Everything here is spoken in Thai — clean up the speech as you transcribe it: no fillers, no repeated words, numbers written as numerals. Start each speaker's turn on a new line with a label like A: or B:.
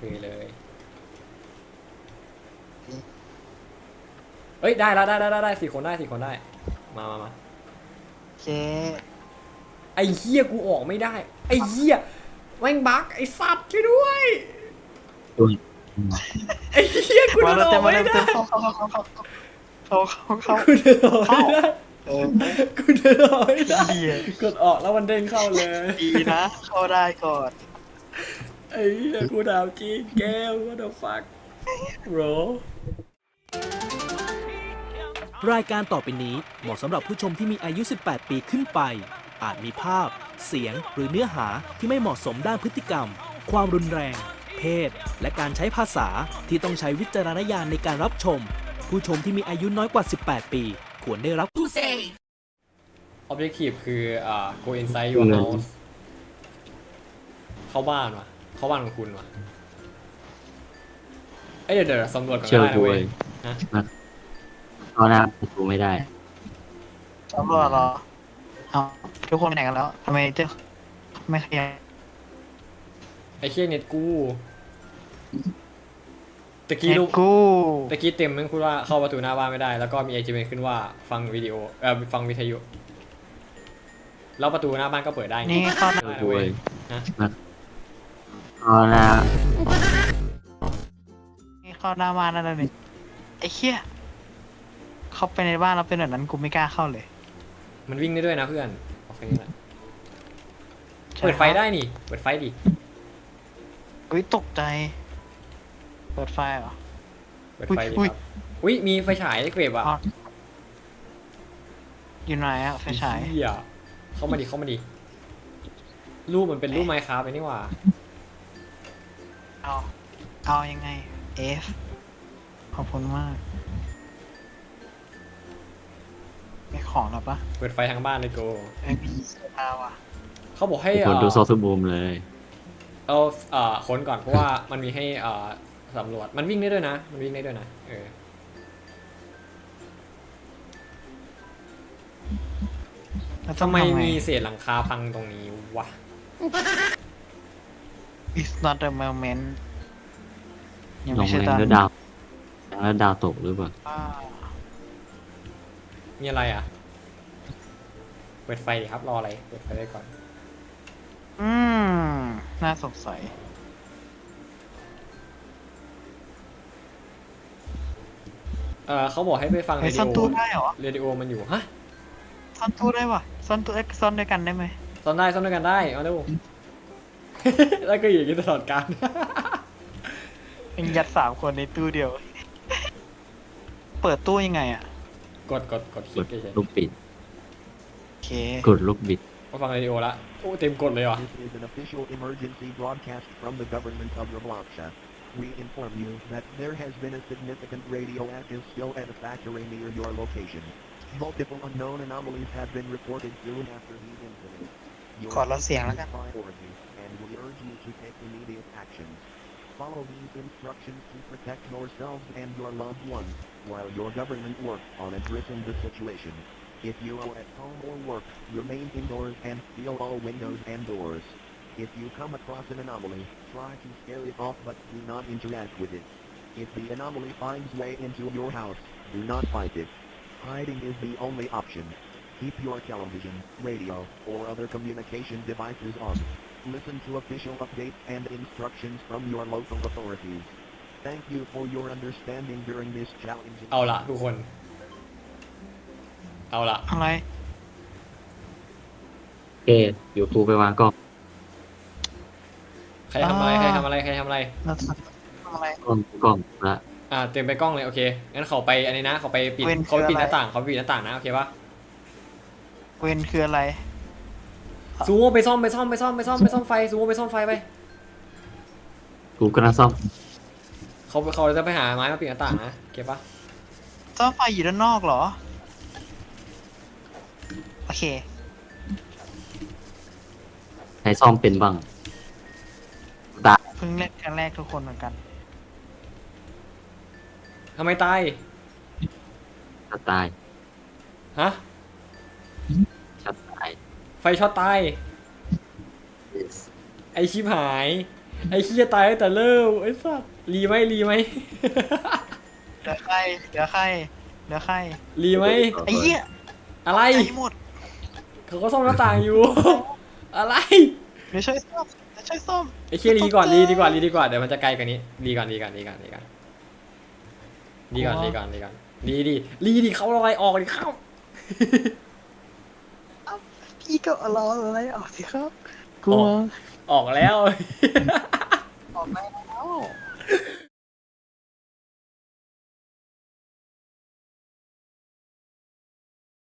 A: เลยเอ้ยได้แล้วได้สี่คนได้มา
B: โอเค
A: ไอ้เหี้ยกูออกไม่ได้ไอ้เหี้ยแม่งบั๊กไอ้สัตว์ช่วยด้วย
C: ตัว
A: ไอ้เหี้ยกู
B: มา
A: เดิน
B: แล้ว
A: อ
B: เต็
A: อ
B: ม
A: ก
B: มา
A: ไม่
B: แล้ว
A: ได้
B: เต็มเข้า
A: กูเดินออกไม่ได้
B: เออ
A: กูเดินออกไม่ได้
B: เหี้ย
A: กดออกแล้วมันเด้งเข้าเลย
B: ดีนะ เข้าได้ก่อน
A: ไอ้เหี้ยกูดาวจริงแก้ว what the fuck bro
D: รายการต่อไปนี้เหมาะสำหรับผู้ชมที่มีอายุ 18 ปีขึ้นไป อาจมีภาพ เสียง หรือเนื้อหาที่ไม่เหมาะสมด้านพฤติกรรม ความรุนแรง เพศ และการใช้ภาษาที่ต้องใช้วิจารณญาณในการรับชม ผู้ชมที่มีอายุน้อยกว่า 18 ปี ควรได้รับ
A: objective คือgo inside your house เข้าบ้านวะเข้าบ้านของคุณวะเอ้ยเดี๋ยวสำรวจก่อน
C: เชื่อ
A: ก็ได้นะ
C: กู
A: เว้
C: เลย
A: ย
C: เอาหน้าประตูไม่ได้
B: ตำรวจเหรอเอาทุกคนไปไหนกันแล้วทำไมเจ้าไม่ขยับ
A: ไอ้เชี่ยเน็ตกูตะกี้
B: เน็
A: รู
B: ต
A: ป
B: กู
A: ตะกี้เต็มมันพูดว่าเข้าประตูหน้าบ้านไม่ได้ แล้วก็มีไอจีเมขึ้นว่าฟังวิดีโอฟังวิทยุแล้วประตูหน้าบ้านก็เปิดได้ไง
B: นี่เข้าหน้า
A: ได้
C: กู
A: เว้
C: เลย ย
A: นะ
C: เอาหน้า
B: นี่เข้าหน้าบ้านนั่นเลยไอ้เหี้ยเข้าไปในบ้านแล้วเป็นแบบนั้นกูไม่กล้าเข้าเลย
A: มันวิ่งได้ด้วยนะเพื่อนโอเคนี่แหละ
B: ใช่
A: เปิดไฟได้นี่เปิดไฟดิ
B: อุ้ยตกใจ เปิดไฟเหรอ
A: เปิดไฟดิ
B: อุ๊ย
A: ครับอุ้ยมีไฟฉายเกรบอ่ะ
B: อ๋อ อยู่ไหนอะไฟฉาย
A: เหี้ยเข้ามาดิรูปมันเป็นรูปไมค์คราฟต์ไปนี่หว่า
B: เอายังไง F ขอบคุณมากไม่ของหรอปะ
A: เปิดไฟทางบ้านเลยโก
B: ไม่มีเสื้อผ้าว่ะ
A: เขาบอกให้
C: คนดูโซซูบูมเลย
A: เอาค้นก่อนเพราะว่ามันมีให้สำรวจมันวิ่งได้ด้วยนะ
B: แล้วต้
A: ทำ
B: อง
A: ไม
B: ง
A: มีเศษหลังคาพังตรงนี้วะ
B: It's not a moment ยัง
C: ล
B: ไม่
C: ง
B: ใช่
C: แรง
B: ตอน
C: แล้วดาวตกหรือเปล่า
B: อ่า
A: มีอะไรอ่ะเปิดไฟดิครับรออะไรเปิดไฟได้ก่อน
B: อืม น่าสงสัย
A: เขาบอกให้ไปฟัง
B: เฮ้
A: เร
B: ย
A: ดิ
B: ซ่อน
A: โอ
B: ตู้ได้เหรอ
A: เรดิโอมันอยู่ฮะ
B: ซ่อนตู้ได้วะซ่อนตู้ซ่อนด้วยกันได้ไหม
A: ซ่อนด้วยกันได้เอาดู แล้วก็อยู่อย่างนี้ตลอดการ
B: เป็นยัด3 คนในตู้เดียว เปิดตู้ยังไงอ่ะ
A: กดค
C: ก
A: ลิก
C: ด
A: เฉย
C: ลูกปิด
B: โอเค
C: กดลูกบิด
A: ๆมาฟังเรดิโอละโอ้เต็มกดเลยว่ะ
E: This is an official emergency broadcast from the government of Robloxa. We inform you that there has been a significant radioactive spill at a factory near your location. Multiple unknown anomalies have been reported soon after these incidents. Your
B: ขอลดเสียงแล้วกัน
E: priority, and we urge you to take immediate actions. Follow these instructions to protect yourselves and your loved ones, while your government works on addressing the situation. If you are at home or work, remain indoors and seal all windows and doors. If you come across an anomaly, try to scare it off but do not interact with it. If the anomaly finds way into your house, do not fight it. Hiding is the only option. Keep your television, radio, or other communication devices on. Listen to official updates and instructions from your local authorities. Thank you for your understanding during this challenging.
A: เอาละทุกคนเอาละ
B: อะไร
C: โอเคเดี๋ยวกูไปวางกล้อง
A: ใครทำอะไรใครทำอะไร
B: เราทำอะไร
C: กล้องละ
A: เตรียมไปกล้องเลยโอเคงั้นเขาไปอันนี้นะเขาไปปิด
B: เว้น
A: เขาไปปิด
B: คือ
A: ห
B: อะไร
A: น้าต่างเขาไปปิดหน้าต่างนะโอเคปะ
B: เวนคืออะไร
A: ซูโม่ไปซ่อมไฟซูโม่ไปซ่อมไฟไป
C: กูกำลังซ่อม
A: เขาจะไปหาไม้มาปิดหน้าต่างนะโอเคปะ
B: ซ่อมไฟอยู่ด้านนอกเหรอ โอเค
C: ให้ซ่อมเป็นบ้างตาย
B: เพิ่งเล่นครั้งแรกทุกคนเหมือนกัน
A: ทำไมตาย
C: จะตาย
A: ฮะ
C: จะตาย
A: ไฟช็อตตาย
C: Yes
A: ไอชิบหายไอ้เหี้ยตายตั้งแต่เริ่มไอ้สัสรีไหม
B: เหลือใครเหลือใครเหลือใคร
A: รีไหม
B: ไอ้เหี้ย
A: อะไร
B: ใจหมด
A: เขาก็ซ่อมหน้าต่างอยู่ อะไร
B: เดี๋ยวช่วยซ่อมเดี๋ยวช่วยซ่อม
A: ไอ้เคียรีก่อนรีดีกว่าเดี๋ยวมันจะไกลกว่านี้รีก่อนรีดีเขาอะไรออกดิเข้า
B: พี่ก็รออะไรออกสิครับกลัว
A: ออกแล้ว